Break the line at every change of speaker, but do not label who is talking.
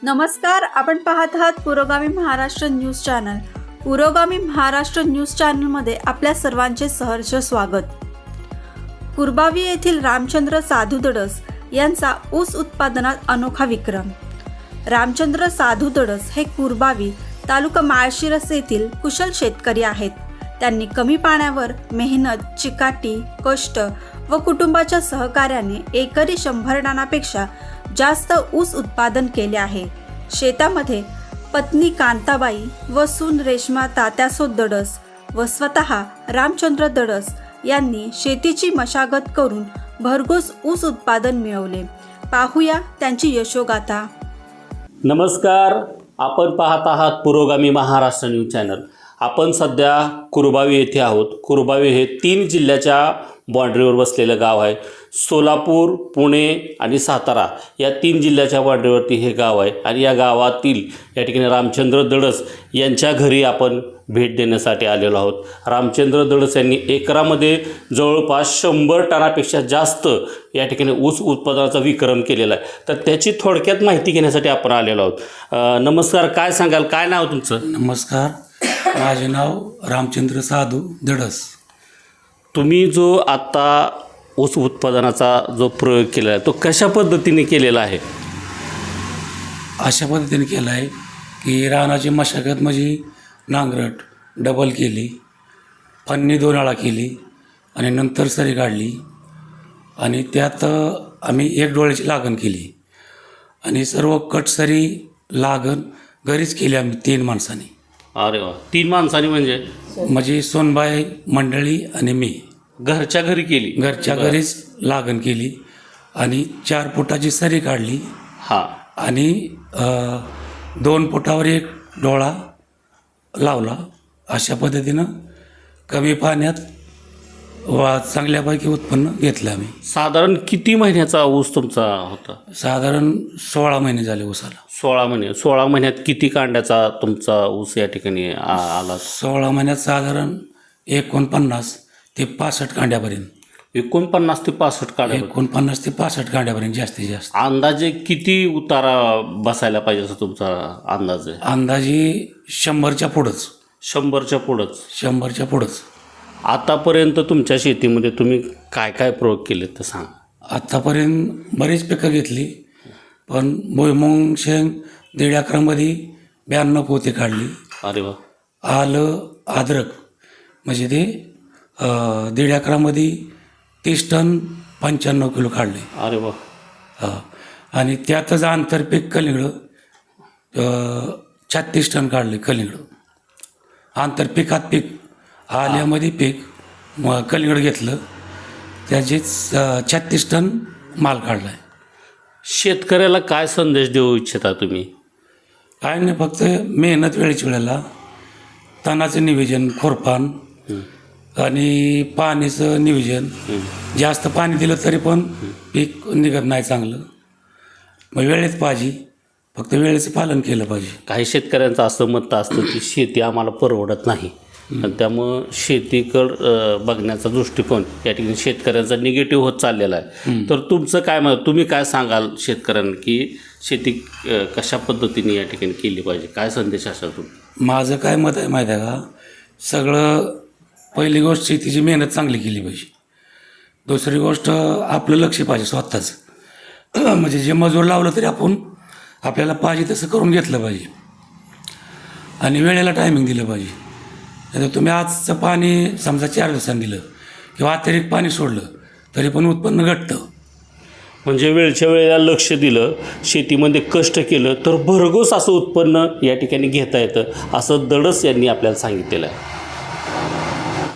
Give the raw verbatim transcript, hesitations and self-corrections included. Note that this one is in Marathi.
नमस्कार, आपण पाहत आहात पुरोगामी महाराष्ट्र न्यूज चॅनल. पुरोगामी महाराष्ट्र न्यूज चॅनलमध्ये आपल्या सर्वांचे सहर्ष स्वागत. कुरबावी येथील रामचंद्र साधू दडस यांचा ऊस उत्पादनात अनोखा विक्रम. रामचंद्र साधू दडस हे कुरबावी तालुका माळशिरस येथील कुशल शेतकरी आहेत. त्यांनी कमी पाण्यावर मेहनत, चिकाटी, कष्ट व कुटुंबाच्या सहकार्याने एकरी शंभर टनापेक्षा जास्त ऊस उत्पादन केले आहे. शेतामध्ये पत्नी कांताबाई व सून रेश्मा तात्यासो दडस व स्वतः रामचंद्र दडस यांनी शेतीची मशागत करून भरघोस ऊस उत्पादन मिळवले. पाहूया त्यांची यशोगाथा.
नमस्कार, आपण पाहत आहात पुरोगामी महाराष्ट्र न्यूज चॅनल. आपण सध्या कुरबावी येथे आहोत. कुरबावी हे तीन जिल्ह्याच्या बाँड्रीवर बसलेलं गाव आहे. सोलापूर, पुणे आणि सातारा या तीन जिल्ह्याच्या बाँड्रीवरती हे गाव आहे. आणि या गावातील या ठिकाणी रामचंद्र दडस यांच्या घरी आपण भेट देण्यासाठी आलेलो आहोत. रामचंद्र दडस यांनी एकरामध्ये जवळपास शंभर टनापेक्षा जास्त या ठिकाणी ऊस उत्पादनाचा विक्रम केलेला आहे. तर त्याची थोडक्यात माहिती घेण्यासाठी आपण आलेलो आहोत. नमस्कार, काय सांगाल, काय नाव तुमचं?
नमस्कार, माझे नाव रामचंद्र साधू दडस.
तुम्ही जो आत्ता ऊस उत्पादनाचा जो प्रयोग केला आहे तो कशा पद्धतीने केलेला आहे?
अशा पद्धतीने केला आहे की रानाची मशागत म्हणजे नांगरट डबल केली, फन्नी दोन आळा केली आणि नंतर सरी काढली आणि त्यात आम्ही एक डोळ्याची लागण केली आणि सर्व कटसरी लागण घरीच केली आम्ही तीन माणसांनी.
अरे वा, तीन माणसांनी म्हणजे
म्हणजे सोनबाई मंडळी आणि मी
घरच्या घरी केली?
घरच्या घरीच लागण केली आणि चार फुटाची सरी काढली.
हां.
आणि दोन फुटावर एक डोळा लावला. अशा पद्धतीनं कमी पाण्यात वा चांगल्यापैकी उत्पन्न घेतलं आम्ही.
साधारण किती महिन्याचा ऊस तुमचा होता?
साधारण सोळा महिने झाले ऊसाला.
सोळा महिने. सोळा महिन्यात किती कांड्याचा तुमचा ऊस या ठिकाणी आ- आला?
सोळा महिन्यात साधारण एकोणपन्नास ते पासष्ट कांड्यापर्यंत.
एकोणपन्नास ते पासष्ट कांड्या.
एकोणपन्नास ते पासष्ट कांड्यापर्यंत जास्तीत जास्त.
अंदाजे किती उतारा बसायला पाहिजे असं तुमचा अंदाज आहे?
अंदाजे शंभरच्या पुढंच.
शंभरच्या पुढंच.
शंभरच्या पुढंच.
आतापर्यंत तुमच्या शेतीमध्ये तुम्ही काय काय प्रयोग केले तर सांग.
आत्तापर्यंत बरीच पिकं घेतली, पण भुईमुंग शेंग दीड अकरामध्ये ब्याण्णव पोते काढली.
अरे वा.
आलं अद्रक म्हणजे ते अं, दीड अकरामध्ये तीस टन पंच्याण्णव किलो काढले.
अरे वा.
हां. आणि त्यातच आंतरपीक कलिंगडं छत्तीस टन काढले. कलिंगडं आंतरपिकात पीक, आल्यामध्ये पीक मग कलिंगड घेतलं, त्याचीच छत्तीस टन माल काढला आहे.
शेतकऱ्याला काय संदेश देऊ इच्छिता तुम्ही?
काय नाही, फक्त मेहनत वेळेच्या वेळेला, तणाचं नियोजन, खोरपान आणि पाण्याचं नियोजन. जास्त पाणी दिलं तरी पण पीक निघत नाही चांगलं. मग वेळेत पाहिजे, फक्त वेळेचं पालन केलं पाहिजे.
काही शेतकऱ्यांचं असं मत असतं की शेती आम्हाला परवडत नाही आणि त्यामुळं शेतीकडं बघण्याचा दृष्टिकोन या ठिकाणी शेतकऱ्यांचा निगेटिव्ह होत चाललेला आहे. तर तुमचं काय मत, तुम्ही काय सांगाल शेतकऱ्यांना की शेती कशा पद्धतीने या ठिकाणी केली पाहिजे? काय संदेश असाल तुम्ही?
माझं काय मत आहे माहीत आहे का? सगळं पहिली गोष्ट शेतीची मेहनत चांगली केली पाहिजे. दुसरी गोष्ट आपलं लक्ष पाहिजे स्वतःच. म्हणजे जे मजूर लावलं तरी आपण आपल्याला पाहिजे तसं करून घेतलं पाहिजे आणि वेळेला टायमिंग दिलं पाहिजे. नाही तर तुम्ही आजचं पाणी समजा चार दिवसांनी दिलं किंवा अतिरिक्त पाणी सोडलं तरी पण उत्पन्न घटतं.
म्हणजे वेळच्या वेळेला लक्ष दिलं, शेतीमध्ये कष्ट केलं तर भरघोस असं उत्पन्न या ठिकाणी घेता येतं, असं दडस यांनी आपल्याला सांगितलेलं आहे.